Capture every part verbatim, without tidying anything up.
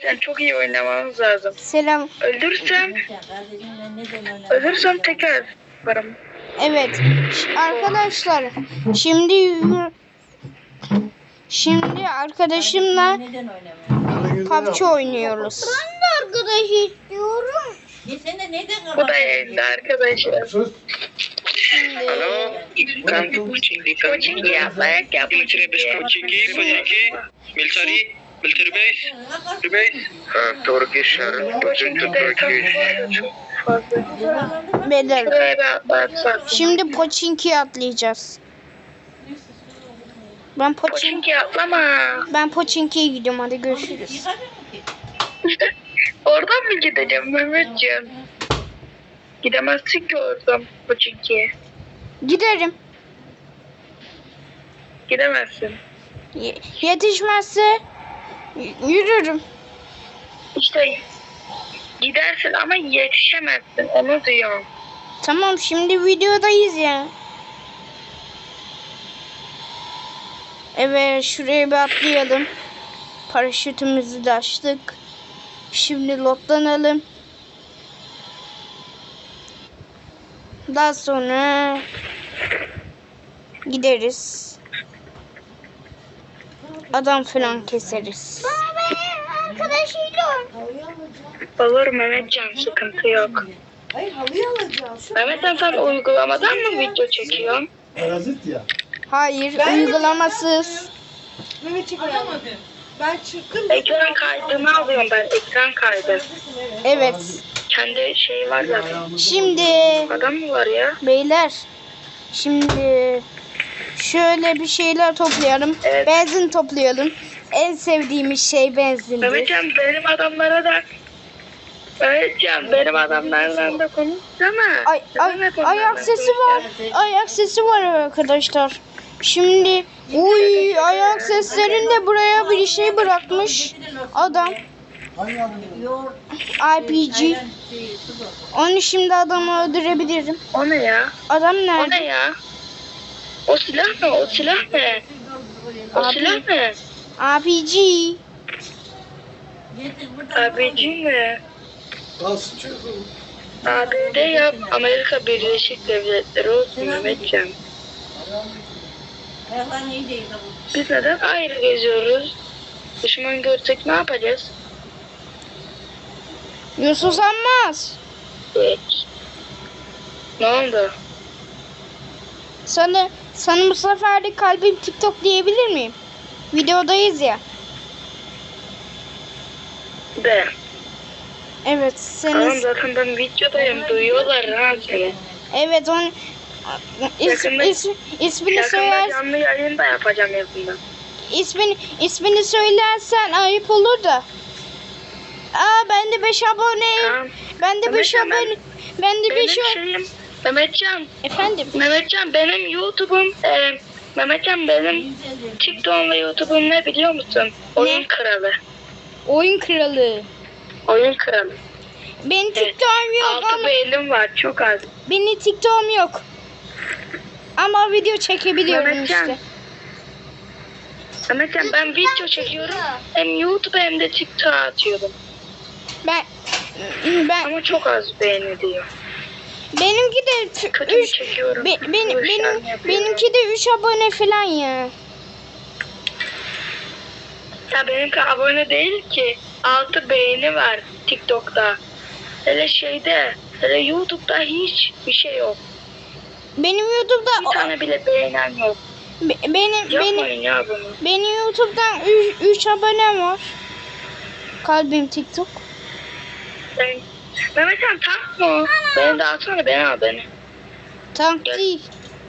Mehmetcan çok iyi oynamamız lazım. Selam. Öldürsem, ölürsem tekrar varım. Evet. Ş- Arkadaşlar şimdi şimdi arkadaşımla P U B G oynuyoruz. Ben de arkadaş istiyorum. Bu da yayında arkadaşlar. Şimdi Alo. Kanka Pochinki yapmak yapmak. Military base Pochinki, Pochinki, military, military base, military base. Turkish, Pochinki, Turkish. beyler Şuraya bir atlarsak. şimdi Pochinki'ye atlayacağız. Ben Pochinki Pochinki atlama. ben Pochinki'ye gidiyorum, hadi görüşürüz. Oradan mı gideceğim Mehmetcan? Gidemezsin ki oradan Pochinki'ye. Giderim. Gidemezsin. Ye- yetişmezse y- yürürüm. İşte gidersin ama yetişemezsin. Onu diyorum. Tamam, şimdi videodayız ya. Evet, şuraya bir atlayalım. Paraşütümüzü de açtık. Şimdi lotlanalım. Daha sonra gideriz. Adam falan keseriz. Olur Mehmetcan, sıkıntı yok. Hayır, halıyı alacağım. Şu Mehmetcan sen uygulamadan mı video çekiyorsun? Parazit ya. Hayır, uygulamasız. Mehmet çek alamadım. Ben çıktım. Ekran kaydını alıyorum ben, ekran kaydı. Evet. Kendi şey var zaten. Şimdi Adam mı var ya? beyler, şimdi şöyle bir şeyler toplayalım. Evet. Benzin toplayalım. En sevdiğimiz şey benzindir. Mehmetcan benim adamlara da Mehmetcan benim adamlarla da konuşsana. Ay, ay, Mehmet ayak onlarla sesi var. Ayak sesi var arkadaşlar. Şimdi uy ayak seslerinde buraya bir şey bırakmış adam. Hangi adını? R P G. Onu şimdi adamı öldürebilirim. O ne ya? Adam O ne nerede? ya? O silah ne? O silah ne? O Abi. silah ne? R P G. Abici mi? Kalsın çocuğum. A B D yap. Amerika Birleşik Devletleri olsun Mehmetcan. Biz neden ayrı geziyoruz? Düşman görsek ne yapacağız? Yusuf Sanmaz. Hiç. Ne oldu? Sana, sana bu sefer de kalbim TikTok diyebilir miyim? Videodayız ya. De. Evet, Tamam senin. zaten ben videodayım. Duyuyorlar ha seni. Evet, onun is, Yakında- is, ismini Yakında söyler, canlı yayın da yapacağım yakında. ismini ismini söylersen ayıp olur da. Aa, ben de beş aboneyim. Tamam. Ben de beş Mehmetcan, abone. Ben de Benim beş o- şeyim Mehmetcan. Efendim. Mehmetcan benim YouTube'um e, Mehmetcan benim TikTok'um ve YouTube'um ne biliyor musun? Oyun kralı. Oyun kralı. Oyun kralı. Benim Evet. TikTok'um yok Altı ama beğenim var çok az. benim TikTok'um yok. Ama video çekebiliyorum Mehmetcan. işte. Mehmetcan ben video çekiyorum. Hem YouTube hem de TikTok'a atıyorum. Ben ben Ama çok az beğeni diyor. benimki de Kötü mü üç çekiyorum? be, benim Bu işler benim mi yapıyorum? benimki de üç abone falan ya. Ya benimki abone değil ki. Altı beğeni var TikTok'ta. Hele şeyde, hele YouTube'da hiç bir şey yok. Benim YouTube'da Bir tane bile beğenen yok. be- benim Yapmayın benim ya bunu. benim YouTube'dan üç abonem var. Kalbim TikTok. Ben... Mehmetcan tank mı? o? Beni de atsana, beni al beni. Tank Gel. değil.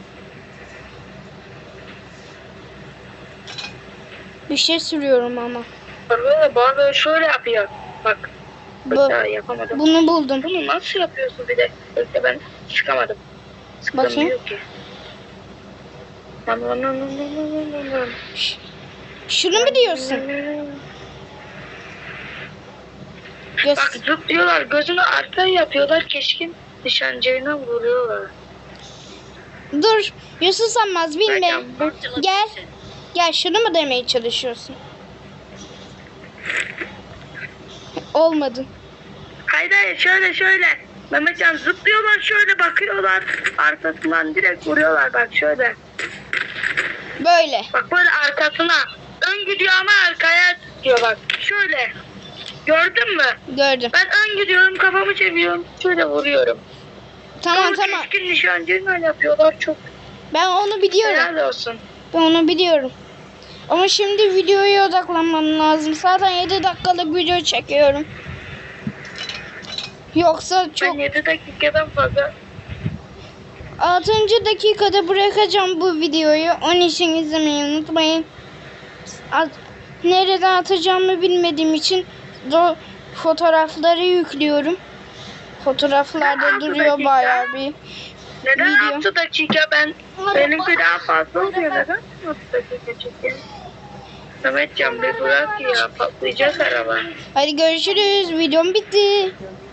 Bir şey sürüyorum ama. Böyle bazı şöyle yapıyor. Bak. Bu, Bak daha yapamadım. bunu buldum. Bunu nasıl yapıyorsun bir de? Bekle ben çıkamadım. Bakayım. Sıkılamıyor ki. Lan lan lan lan lan lan lan. Şunu mu diyorsun? Göz. Bak zıplıyorlar, gözünü arkaya yapıyorlar, keskin nişancıyla vuruyorlar. Dur. Yusuf Sanmaz bilme. Mehmetcan, bu- Gel. Gel, şunu mu demeye çalışıyorsun? Olmadı. Hayır hayır şöyle şöyle. Mehmetcan zıplıyorlar şöyle bakıyorlar. Arkasından direkt vuruyorlar bak şöyle. Böyle. Bak böyle arkasına. Ön gidiyor ama arkaya gidiyor bak. Şöyle. Gördün mü? Gördüm. Ben ön gidiyorum kafamı çeviriyorum. Şöyle vuruyorum. Tamam Sonra tamam. keskin nişancıyla öyle yapıyorlar çok. Ben onu biliyorum. Helal olsun. Ben onu biliyorum. Ama şimdi videoya odaklanmam lazım. Zaten yedi dakikalık video çekiyorum. Yoksa çok... Ben yedi dakikadan fazla. altıncı dakikada bırakacağım bu videoyu. Onun için izlemeyi unutmayın. At- Nereden atacağımı bilmediğim için do- fotoğrafları yüklüyorum. Fotoğraflarda altı duruyor dakika. bayağı bir Neden video. altı dakika ben benimki daha fazla oluyor neden altı dakika çekiyor? Mehmetcan bir bırak ya patlayacak araba. Hadi görüşürüz. Videom bitti.